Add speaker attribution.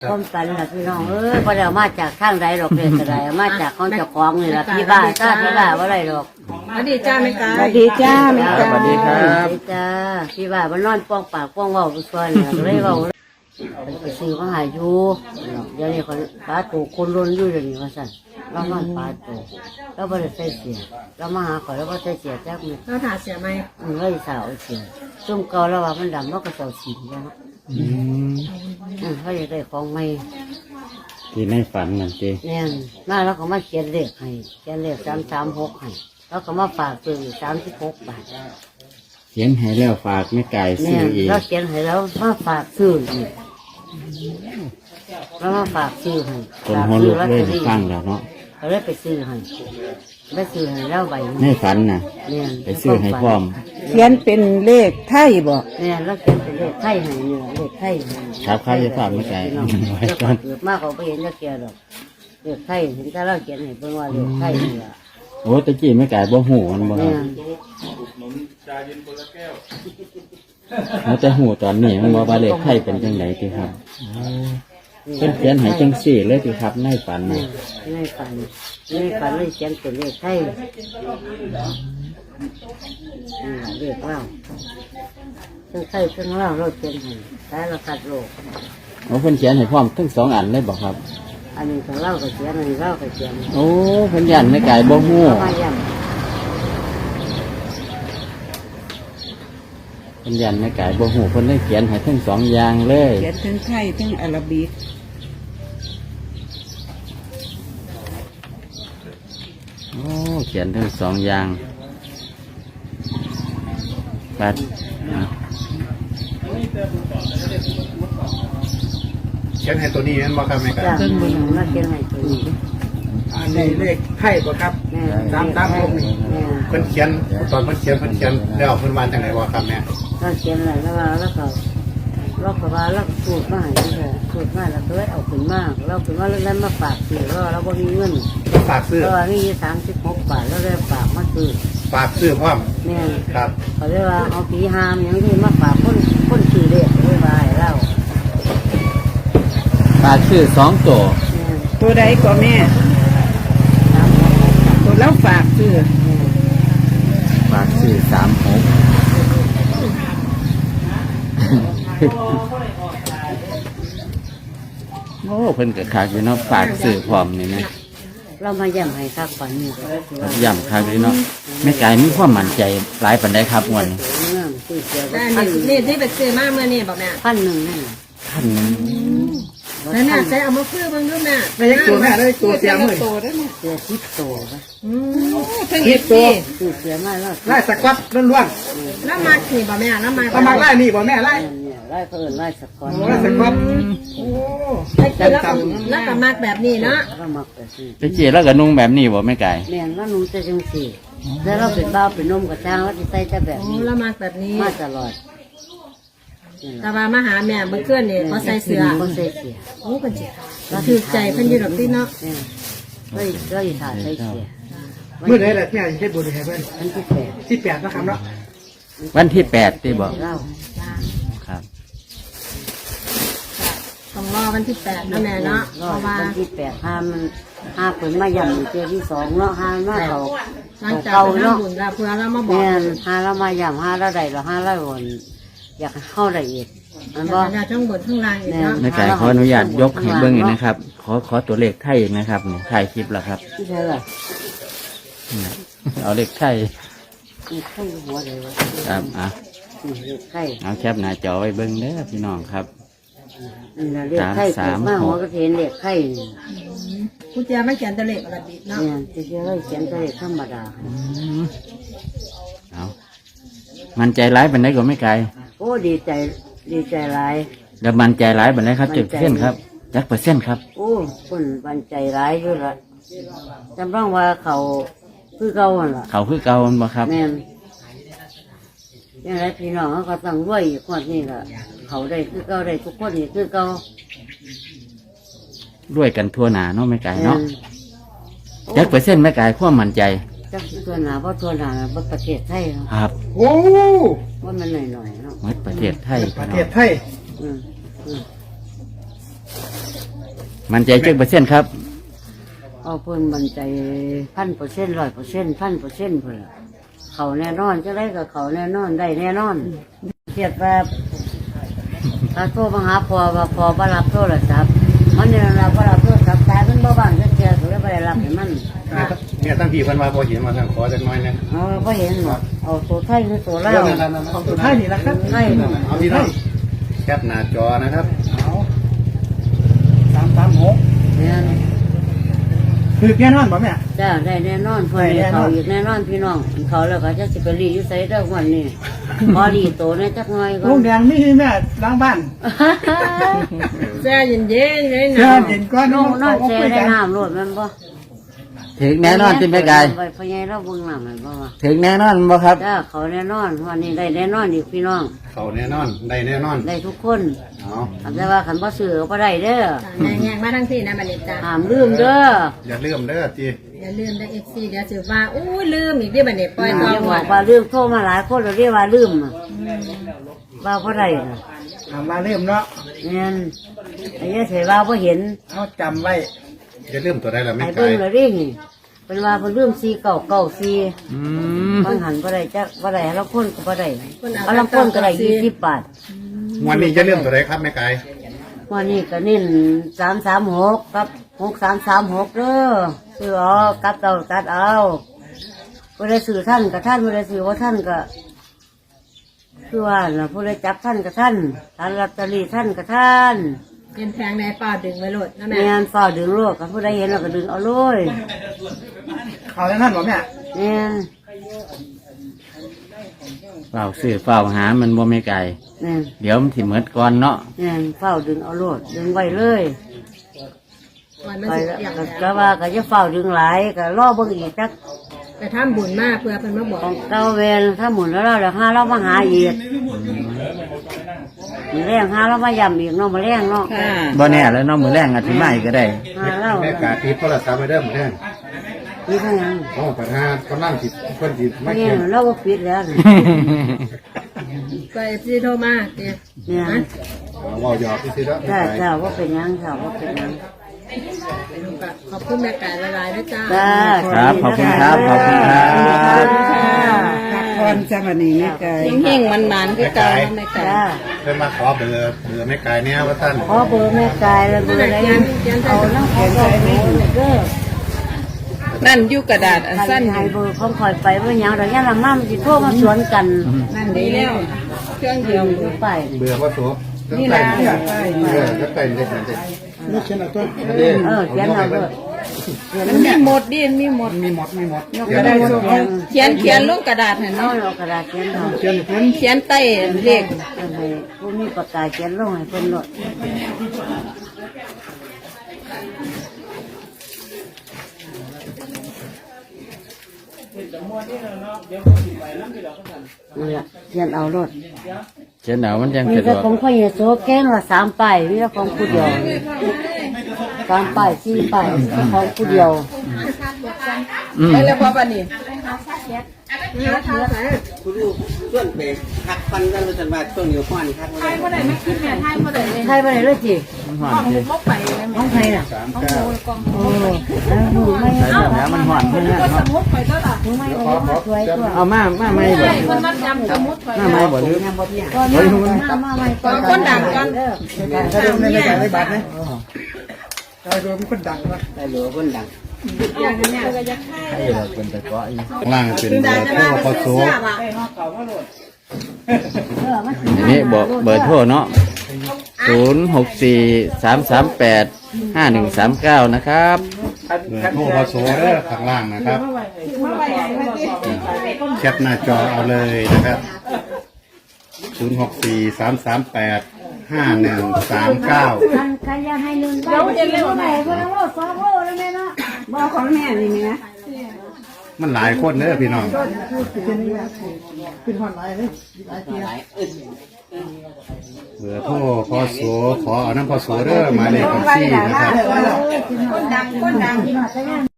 Speaker 1: ความฝันล่ะพี่น้องพอเดี๋ยวมาจากข้างใดดอกเด็กกระไดมาจากของเจ้าของนี่ล่ะพี่บ้าถ้าพี่บ้าว่าไรดอก
Speaker 2: สวัสดีจ้าแม่กา
Speaker 3: สวัสดีจ้าแม่จ้า
Speaker 4: สวัสดีครับ
Speaker 1: จ้าพี่บ้ามันนอนป้องปากป้องเว้าไปส่วนเนี่ยเลยเว้าไปซื้อมาหาอยู่เดี๋ยวนี้เขาปลาตูคนล้นอยู่เดี๋ยวนี้ว่าสั่นเรานอนปลาตูเราไม่ได้ใส่เสียเรามาหาเขาแล้วก็ใส่เสียจักมือ
Speaker 2: เราถาเสียไหม
Speaker 1: เลยสาวเสียซุ่มเก่าแล้วว่ามันดำมันก็เสาสีแล้วเขาอยากได้ของใหม่
Speaker 4: ที่ในฝันนั่นเจ
Speaker 1: เนี่ยมาแล้วก็มาเขียนเลขให้เขียนเลข336ให้แล้วก็มาฝากซื้อ36 บาท
Speaker 4: เขียนให้แล้วฝากไม่ไก่ซื้
Speaker 1: เนี่
Speaker 4: อย อีก
Speaker 1: เราเขียนให้แล้วมาฝากซื้ออีกแล้วมาฝากซื้อให้
Speaker 4: คนหัวลุกเลยฟังแล้วเนาะ
Speaker 1: เขาเลยไปซื้อให้ได้ซื้อให้แล้วใบ
Speaker 4: ในฝันน่ะ
Speaker 1: เนี่ย
Speaker 4: ไปซื้อให้พร้อม
Speaker 3: เขียนเป็นเลขไทยบอก
Speaker 1: เนี่ยแล้วเขียนเป็นเลขไทยให้เนี่ยเลขไทยให้
Speaker 4: ครับข้าวจะฝากไม่ไก่
Speaker 1: พี่น้อง
Speaker 4: ไว้
Speaker 1: เจ้า
Speaker 4: ก่อน
Speaker 1: เกิดมากเขาไปเห็นจะเกียดอกเลขไทยเห็นแต่เราเขียนให้เพิ่นว่าเลขไทยนี่ล่ะ
Speaker 4: โอ้ตะกี้ไม่ไก่บ่หูมันบ่ค
Speaker 1: เนี่
Speaker 4: รับ
Speaker 1: ย
Speaker 4: มันจะหูตอนนี้มันว่าเลขไทยเป็นจังไดติครับเพิ่นเขียนให้จังสี่เลยติครับในฝัน
Speaker 1: นี่
Speaker 4: น่ะ
Speaker 1: ในฝันเลยเขียนเป็นเลขไทยเลขเล่าซึ่งไทยซึ่งเล่าเราเขียนให้แต่เราตัดโลก
Speaker 4: โอ้เพิ่นเขียนให้พร้อมทั้งสองอันเลยบ่ครับ
Speaker 1: อันนี้ของเล่าก็เขียนอันนี้เล่าก็เขียน
Speaker 4: โอ้เพิ่นยันไม่ไก่บ่หู
Speaker 1: มาย้
Speaker 4: เพิ่นยันไม่ไก่บ่หูเพิ่นเลยเขียนให้ทั้งสองอย่างเลย
Speaker 3: เขียนทั้งไทยทั้งอาหรับิก
Speaker 4: โอ้เขียนทั้งสองอย่างปัด
Speaker 5: เขียนให้ตัวนี้นั่นบ่ครับแม่
Speaker 1: ำ
Speaker 5: ค
Speaker 1: จ้า
Speaker 5: รับ
Speaker 1: มาเขียนให้ตัวนี้
Speaker 5: อันนี้เลขไทยบ่ครับ
Speaker 1: แม่
Speaker 5: ตามผมนี่
Speaker 1: แม่
Speaker 5: เพิ่นเขียนตอนเพิ่นเขียนแล้วเพิ่นว่าจังไดบ่ครับแม่
Speaker 1: เราเขียนอะไรแล้วว่าแล้วก็ว่าเราสูตรมาให้ด้วยสูตรมาแล้วก็เลยเอาขึ้นมาเราขึ้นมาแล้วมาฝากซื้อเราบ่มีเงิน
Speaker 5: ก็ฝากซื้อ
Speaker 1: เราว่ามี36 บาทแล้วเลยฝากมาซื้อ
Speaker 5: ฝากซื้อพร้อม
Speaker 1: เนี่ย
Speaker 5: ครับ
Speaker 1: เขาเรียกว่าเอาผีหามอย่างที่มาฝากคนซื้อเลขเลยว่าให้เรา
Speaker 4: ปากชื่อสองตัว
Speaker 1: เนี่ย
Speaker 3: ตัวใดก็แม่ ตัวแล้วฝากซื้อ
Speaker 4: ปากชื่อ36โอ้เพิ่นก็คักอยู่เนาะปากชื่อพร้อมนี่นะ
Speaker 1: เรามาย่ำให้คักฝันนี่ก็คือว่า
Speaker 4: ย่ำคักเลยเนาะแม่ไก่มีความมั่นใจหลายปานใดครับม่วน
Speaker 1: เรื่องซื้อเสีย
Speaker 2: แต่
Speaker 1: พัน
Speaker 2: นี่ที่ไปซื้อมาเมื่อนี่บอกแม่
Speaker 1: 1,000นั่นน่ะ
Speaker 4: ท่านนึง
Speaker 2: แล้วน่ะใช้เอามาเพื่อเบิ่งดูแม่
Speaker 5: ได้ตัวแม่ได้ตัวเสียมื้อ
Speaker 3: ตัวได้ไหม
Speaker 1: เสีย10 ตัวปะ
Speaker 2: เพิ่ง
Speaker 5: คิ
Speaker 2: เห็
Speaker 5: ด
Speaker 2: น
Speaker 5: ตั
Speaker 2: สิ
Speaker 5: ว
Speaker 1: ซื้อเสียมาแล้ว
Speaker 5: ไล่สกวัดล้วน
Speaker 2: แล้วมาขี่บอกแม่แล้วมา
Speaker 5: ๆถ้ามาไล่นี่บ่แม่ไล่
Speaker 1: เนี่ยไล่เพิ่นไล่สะกอน
Speaker 5: ไล่สกวัดโอ้
Speaker 2: ไอ้คือแล้วก็มากแบบนี้เนาะ
Speaker 1: เรามักแต่ซื้อ
Speaker 4: ไปเจีแล้วก็นุ่งแบบนี้บ่แม่ไก่
Speaker 1: แม่นว่าหนูจะจังสี่แล้วเราเป็นบ้าวเป็นนมกับจ้างว่าจะใส่แต่แบบ
Speaker 2: โอ้
Speaker 1: นี้
Speaker 2: แล้วมากแบบนี้
Speaker 1: มาตลอด
Speaker 2: แต่ว่ามาหาแม่เมื่อคืนนี่เขาใส่เสื้อ
Speaker 1: เขาใส่เสีย
Speaker 2: โอ้เป็นจิถือใจเพิ่นอยู่ดอกที่เนาะ
Speaker 1: เนี่ยก็อีถ่าใส่เสีย
Speaker 5: มื้อใดล่ะแม่สิเฮ็ดบุญให้เพิ่น
Speaker 1: อันที่8
Speaker 5: 18นะครับเนาะ
Speaker 4: วันที่8ที่บอก
Speaker 1: เล่า
Speaker 4: ครับ
Speaker 2: ต้องรอวันที่8นะแม่เนาะเพ
Speaker 1: รอ
Speaker 2: ราะ
Speaker 1: ด
Speaker 2: ว่า
Speaker 1: วันที่8ห้ามันห้าเพิ่นมาย่ำเจอที่2เนาะห้ามาเขา
Speaker 2: หลังจาก
Speaker 1: เก่า
Speaker 2: ไป
Speaker 1: เนาะ
Speaker 2: ทำบุญแล้วเพื่อเรามาบอก
Speaker 1: แม่นห้าเรามาย่ำห้าเราได้เราห้าเราวนอยากเข้าได้อีกมันบ่
Speaker 2: จะทั้งบนทั้งล่างอีกเนาะ
Speaker 4: แม่ไก่ขออนุญาตยกให้เบิ้งอีกนะครับ ขอตัวเลขไทยนะครับนี่ถ่ายคลิปแล้วครับ
Speaker 1: ที่ใช่ล่ะ
Speaker 4: นี่เอาเลขไทย
Speaker 1: มีไข่หัวเลยวะ
Speaker 4: ครับอ่ะ
Speaker 1: นี่ไข่
Speaker 4: เอาแคปหน้าจอไว้เบิ้งเด้อพี่น้องครับ
Speaker 1: นี่นะเรียกไข่เกิดมาหัวก็เห็นเรียกไข่
Speaker 2: ผู้เจ้าไม่เขียนตัวเลขอะไรบิดเนาะ
Speaker 1: เนี่ยจะเชื่อเราเขียนตัวเลขธรรมดา
Speaker 4: เอามันใจร้ายเป็นไดก็ไม่ไกล
Speaker 1: โอ้ดีใจหลาย
Speaker 4: แล้วมันใจร้ายเป็นไดครับจุดเส้นครับจักเปอร์เซ็นต์ครับ
Speaker 1: โอ้คนบันใจร้ายอยู่ละจำต้องว่าเขาคือเก่าหั่นล่ะ
Speaker 4: เขาคือเก่ามันบ่ครับ
Speaker 1: แม่นยังไงพี่น้องเขาก็ต้องรวยอีกคนนี่ล่ะเขาได้คือเก่าได้ทุกคนนี่คือเก่า
Speaker 4: ด้วยกันทั่วหนาเนาะไม่ไกล
Speaker 1: แม่
Speaker 4: เนาะ
Speaker 1: น
Speaker 4: จักเปอร์เซ็นต์ไม่ไกลความมั่นใจ
Speaker 1: จักตัวหนาเพราะตัวหนาบ่ประเทศไทยเนาะ
Speaker 4: ครับ
Speaker 5: โอ้
Speaker 1: ว่ามันหน่อยๆเนาะ
Speaker 4: หมดประเทศไทย
Speaker 5: ประ
Speaker 4: พี่
Speaker 5: เท
Speaker 4: น้อ
Speaker 5: ศ
Speaker 4: ง
Speaker 5: ไทย
Speaker 1: อืมอืม
Speaker 4: มันใจจักเปอร์เซ็นต์ครับ
Speaker 1: เอาเพิ่นมั่นใจ1,000% 100% 1,000%เพิ่นล่ะเขาแน่นอนจะได้กับเขาแน่นอนได้แน่นอนเทียบแบบถ้าโทรมาหาพ่อว่าพ่อบ่รับโทรศัพท์มันเนี่ยเราบ่รับโทรศัพท์ตายมันบ่บ้านจักเที่ยก็เลยบ่ได้รับให้มัน
Speaker 5: เนี่ยตั้งพี่เพิ่นว่าบ่เห็นมาทางขอจักหน่อยนะ
Speaker 1: บ่เห็นหรอกเอาตัวไทยหรือตัวลาว
Speaker 5: เอาตัวท้ายนี่ละครับ
Speaker 1: ไทย
Speaker 5: เอาพี่น้องแคปหน้าจอนะครับ
Speaker 3: 336
Speaker 1: เนี่ย
Speaker 3: คือแน่นอนบ่แม่
Speaker 1: จ้าได้แน่นอนเพิ่นนี่เขาอีกแน่นอนพี่น้องเขาแล้วก็จะสิไปรีอยู่ไสเด้อวันนี้พอรีโตเนี่ยจักหน่อยก่อ
Speaker 3: ลุ
Speaker 1: น
Speaker 3: งแดงมีแม่ล้างบ้าน
Speaker 2: แช่เย็นๆเลย
Speaker 3: เช้า
Speaker 2: นะ
Speaker 3: เย็นก่อน
Speaker 1: น้องนอนแช่ได้น้ำโลดแม่นบ่
Speaker 4: ถึงแน่นอนที่แม่กาย
Speaker 1: ไปพ่อใหญ่เราเบิ่งน้ำแม่นบ่ว่า
Speaker 4: ถึงแน่นอนบ่ครับ
Speaker 1: จ้าเขาแน่นอนวันนี้ได้แน่นอนอีกพี่น้อง
Speaker 5: เขาแน่นอนได้แน่นอน
Speaker 1: ได้ทุกคน
Speaker 5: เอา
Speaker 1: แต่ว่าคันบ่ซื้อก็บ่ได้เด้อ
Speaker 2: แยงๆมาทั้งที่นะบัดนี้จ้า
Speaker 1: ห้ามลืมเด้อ
Speaker 5: อย่าลืมเด้อจี
Speaker 2: อย่าลืมได้ FC เดี๋ยวสิว่าอู้ลืมอีกเด้อบัดนี้ปล่อย
Speaker 1: อ
Speaker 2: ต่อย่
Speaker 1: า
Speaker 2: ห
Speaker 1: บ
Speaker 2: ม
Speaker 1: อ
Speaker 2: ด
Speaker 1: กว่าลืมโทรมาหลายคนแล้วเรียกว่าลืมอะว่าบ่ได้น่ะ
Speaker 3: มาเริ่มเนาะ
Speaker 1: แม่นไอ้เสียว่าบ่เห็น
Speaker 3: เอาจำไว้
Speaker 5: อย่าลืมตัวใดล่ะแม่
Speaker 1: ไอ้
Speaker 5: ไก่
Speaker 1: เบิ่งแล้วดิเป็นว่าเพิ่นลืม4994
Speaker 4: อืม
Speaker 1: บางหันบ่ได้จักบ่ได้แล้วคนก็บ่ได้เอาลางคนก็ได้20 บาท
Speaker 5: วันนี้อย่าลืมตัวใดครับแม่ไก่
Speaker 1: วันนี้ก็เน้น336กับ6336เด้อซื้อเอากับเอาตัดเอาบ่ได้ซื้อท่านก็ท่านบ่ได้ซื้อว่าท่านก็คือว่าน่ะผู้ใดจับท่านก็ท่านท่านลอตเตอรี่ท่านก็ท่าน
Speaker 2: เป็นแพงในเปล่าดึงไว้โลดนะแม่
Speaker 1: แม่นฝ้าดึงโลกกับผู้ใดเห็นเราก็ดึงเอาเลย
Speaker 3: เขาแน่นอนบ่แม่
Speaker 1: แม่น
Speaker 4: เฝ้าซื้อเฝ้าหามันบ่แม่ไก่
Speaker 1: แม่น
Speaker 4: เดี๋ยวมันสิเหมือดก่อนเนาะ
Speaker 1: แม่นฝ้าดึงเอาโลดดึงไว้เลย
Speaker 2: วันมัน
Speaker 1: ไป
Speaker 2: สิ
Speaker 1: แล้ว
Speaker 2: เปียก
Speaker 1: ก็
Speaker 2: แล้ว
Speaker 1: ว่าก็จะฝ้าดึงหลายก็รอเบิ่งอีกจัก
Speaker 2: ไปทำบุญมาเพื่อเพิ่นมาบอก
Speaker 1: ของเก่าเวรถ้าหมุนแล้วเราเดี๋ยวหาเรามาหาอีกมีแรงหาเรามาย่ำอีกเนาะมาแรงเนาะ
Speaker 3: ค่ะ
Speaker 4: บ่แน่แล้วเนาะมื้อแรงอาจสิมาอีกก็ได้
Speaker 1: หาเรา
Speaker 5: แม่กาติดโทรศัพท์ไปเด้อหมดแน่
Speaker 1: นี่เท่านั้น
Speaker 5: โอ้ปัญหาคนนั่งติดคนติดไม่
Speaker 1: แม่
Speaker 5: เขียน
Speaker 1: นเราก็ปิดแล้วนี่
Speaker 2: ก็ FC โทรมาเนี่ย
Speaker 1: เนี่ย
Speaker 5: เว่าหยอกที่สิแล้วแม่
Speaker 1: จ้า
Speaker 5: ไก่
Speaker 1: จ้าว่าเป็นหยังจ้าว่าเป็นหยัง
Speaker 2: ขอบคุณแม่ไก่หลายๆนะจ้า
Speaker 1: จ้า
Speaker 4: ครับขอบคุณครับขอบคุณครับ
Speaker 3: พักผ่อนจ้าวันนี้แม่ไก่
Speaker 2: เฮงๆมันๆคือเก่าแม่ไก่
Speaker 1: จ้า
Speaker 5: เพิ่นมาขอเบอร์แม่ไก่เนี่ยว่าท่าน
Speaker 1: ขอเบอร์แม่กายแล้วเบอร์อะไรเอาน้ำของเราไปเด้อ
Speaker 3: นั่นอยู่กระดาษอัน
Speaker 1: สั้
Speaker 3: สั้
Speaker 1: น
Speaker 3: น
Speaker 1: ให้เบอร์ของคอยไปว่าอย่างเราเนี่ยละมั่มสิโทรมาสวนกัน
Speaker 3: นั่นดีแล้ว
Speaker 2: เครื่องเดียว
Speaker 1: ดูไป
Speaker 5: เบื่อว่าโสนี่นะก็เป็นเด็กเด็กนี่เขียนเอาตัว
Speaker 1: เขียนเอาเบอร์
Speaker 3: มันมีหมดดิมีหมด
Speaker 5: มีหมดมีหมด
Speaker 1: ก็ได้ส่ง
Speaker 3: เขียนลงกระดาษให้
Speaker 1: น้อ
Speaker 3: เนาะ
Speaker 1: ยเอากระดาษเขียนเอา
Speaker 3: เขียนใต้เลข
Speaker 1: ให้ผู้มีปากกาเขียนลงให้เพิ่นโลดนี่ละเขียนเอาโลด
Speaker 4: เจ้าหนาวมันยัง
Speaker 1: มี
Speaker 4: สะด
Speaker 1: แต่
Speaker 4: วก
Speaker 1: ของพ่อเยซูแก้งละ3ป้ายมีแต่ของผู้เดียว3ป้าย4ป้ายของผู้เดียว
Speaker 4: อืม
Speaker 3: ไปแล้วพอปานนี้
Speaker 1: ไทยไปไหนเลยจี
Speaker 4: มันหอนสิ
Speaker 1: ของไทยน่ะ
Speaker 5: 39
Speaker 1: โอ้แล้วหนูไม่
Speaker 4: ใส่แล้วมันหอนเพิ่นน่ะเนาะ
Speaker 1: หนูไม่เอาสวยตัว
Speaker 4: เอามาไม่บ่มาไม่บ่หรือ
Speaker 1: ก่อนมาไม่ก่อนคนดังก่อน
Speaker 3: ถ้าดูในกระดาษในบัตรนะถ้าดูมันคนดังวะ
Speaker 1: ได้เหลือคนดัง
Speaker 4: ให้เราเป็นตะเกาะอีก
Speaker 5: ข้างล่างเป็นเบอร์โทรพอโส
Speaker 4: อันนี้บอกเบอร์โทรเนาะ0643385139นะครับ
Speaker 5: เบอร์โทรพอโสเด้อข้างล่างนะครับแคปหน้าจอเอาเลยนะครับ0643385139
Speaker 1: กันยังให้หนึ่งเดี๋ยวจะเร็วไหนคนละโล2โลแล้วแม่เนาะบอกของแม่นี่นะ
Speaker 5: มันหลายคนเด้อพี่น้อง
Speaker 3: ขึ้นหอนไหนเลย
Speaker 5: เบอร์โทรพอโสขอเอาน้ำพอโสเด้อหมายเลขบัญชีนะครับ
Speaker 1: คนดัง